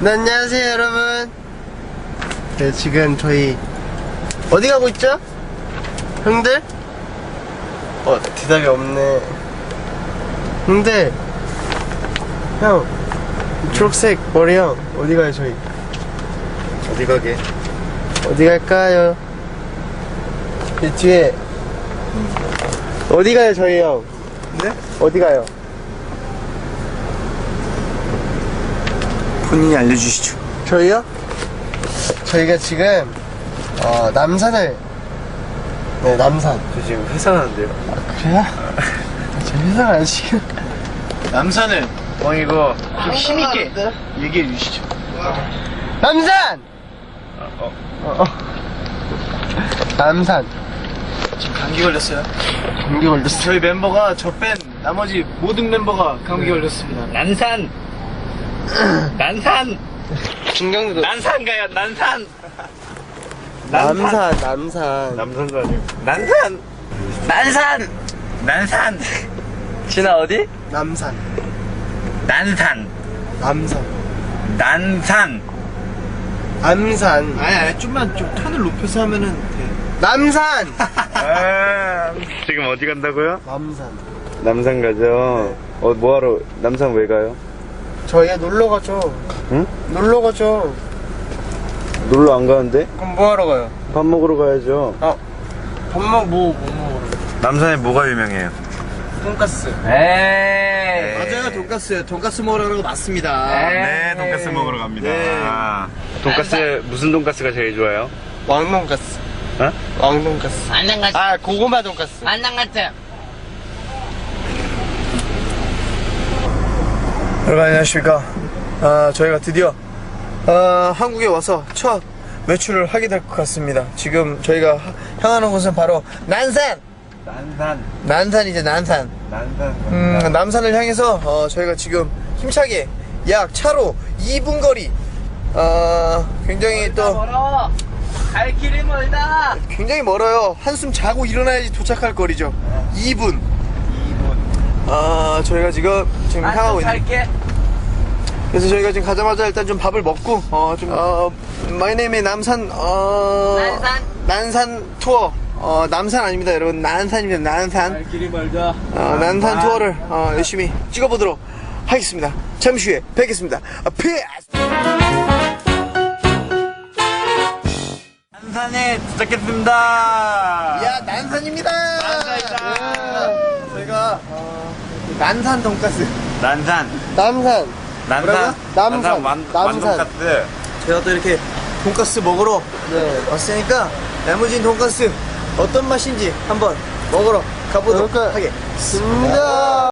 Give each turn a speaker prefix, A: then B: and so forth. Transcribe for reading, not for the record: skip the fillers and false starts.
A: 네, 안녕하세요 여러분. 네, 지금 저희 어디 가고 있죠? 형들? 대답이 없네. 형들, 형 초록색 머리 형 어디 가요 저희?
B: 어디 가게?
A: 어디 갈까요? 이 뒤에 어디 가요 저희 형?
B: 네?
A: 어디 가요?
B: 본인이 알려주시죠.
A: 저희요? 저희가 지금 남산을, 네, 남산.
B: 저 지금 회사 가는데요.
A: 그래요? 저 회사가 안 시켜.
B: 남산을 이거 좀 힘있게 얘기해 주시죠.
A: 남산! 남산.
B: 지금 감기 걸렸어요.
A: 감기 걸렸어.
B: 저희 멤버가 저 뺀 나머지 모든 멤버가 감기 걸렸습니다.
C: 난산! 난산!
A: 중경도.
C: 난산 가요, 난산!
A: 남산.
B: 남산도 아니고.
C: 난산! 난산! 난산! 진아 어디?
A: 남산.
C: 난산!
A: 남산.
C: 난산!
A: 남산.
B: 아니 좀만 좀 톤을 높여서 하면은 돼.
A: 남산!
D: 지금 어디 간다고요?
A: 남산.
D: 남산 가죠. 뭐하러, 남산 왜 가요?
A: 저희가 놀러 가죠.
D: 응?
A: 놀러 가죠.
D: 놀러 안 가는데?
A: 그럼 뭐 하러 가요?
D: 밥 먹으러 가야죠.
A: 밥 먹으러 뭐 먹으러?
D: 남산에 뭐가 유명해요?
A: 돈가스.
C: 에이!
B: 맞아요, 돈가스요. 돈가스 먹으러 가는 거 맞습니다.
D: 네, 돈가스 먹으러 갑니다.
B: 네.
D: 돈가스, 무슨 돈가스가 제일 좋아요?
A: 왕돈가스.
D: 어?
A: 왕돈가스.
E: 안녕하세요.
A: 아, 고구마 돈가스.
E: 안녕하세요.
B: 여러분 안녕하십니까. 저희가 드디어 한국에 와서 첫 외출을 하게 될 것 같습니다. 지금 저희가 향하는 곳은 바로 난산! 난산이죠, 난산. 남산을 향해서 저희가 지금 힘차게 약 차로 2분 거리 굉장히 또
C: 멀어! 갈 길이 멀다!
B: 굉장히 멀어요. 한숨 자고 일어나야지 도착할 거리죠. 2분. 저희가 지금 향하고 있는.
C: 갈게!
B: 그래서 저희가 지금 가자마자 일단 좀 밥을 먹고 My name is 남산 난산 투어. 남산 아닙니다 여러분, 난산입니다. 난산.
C: 갈 길이 멀다.
B: 난산 투어를 열심히 찍어보도록 하겠습니다. 잠시 후에 뵙겠습니다. 피스.
C: 난산에 도착했습니다!
B: 야, 난산입니다.
C: 난산이다.
B: 예. 저희가 난산 돈가스.
C: 난산!
A: 남산.
C: 난산!
A: 남산.
C: 완돈가스!
B: 제가 또 이렇게 돈가스 먹으러 왔으니까 야무진 돈가스 어떤 맛인지 한번 먹으러 가보도록 하겠습니다.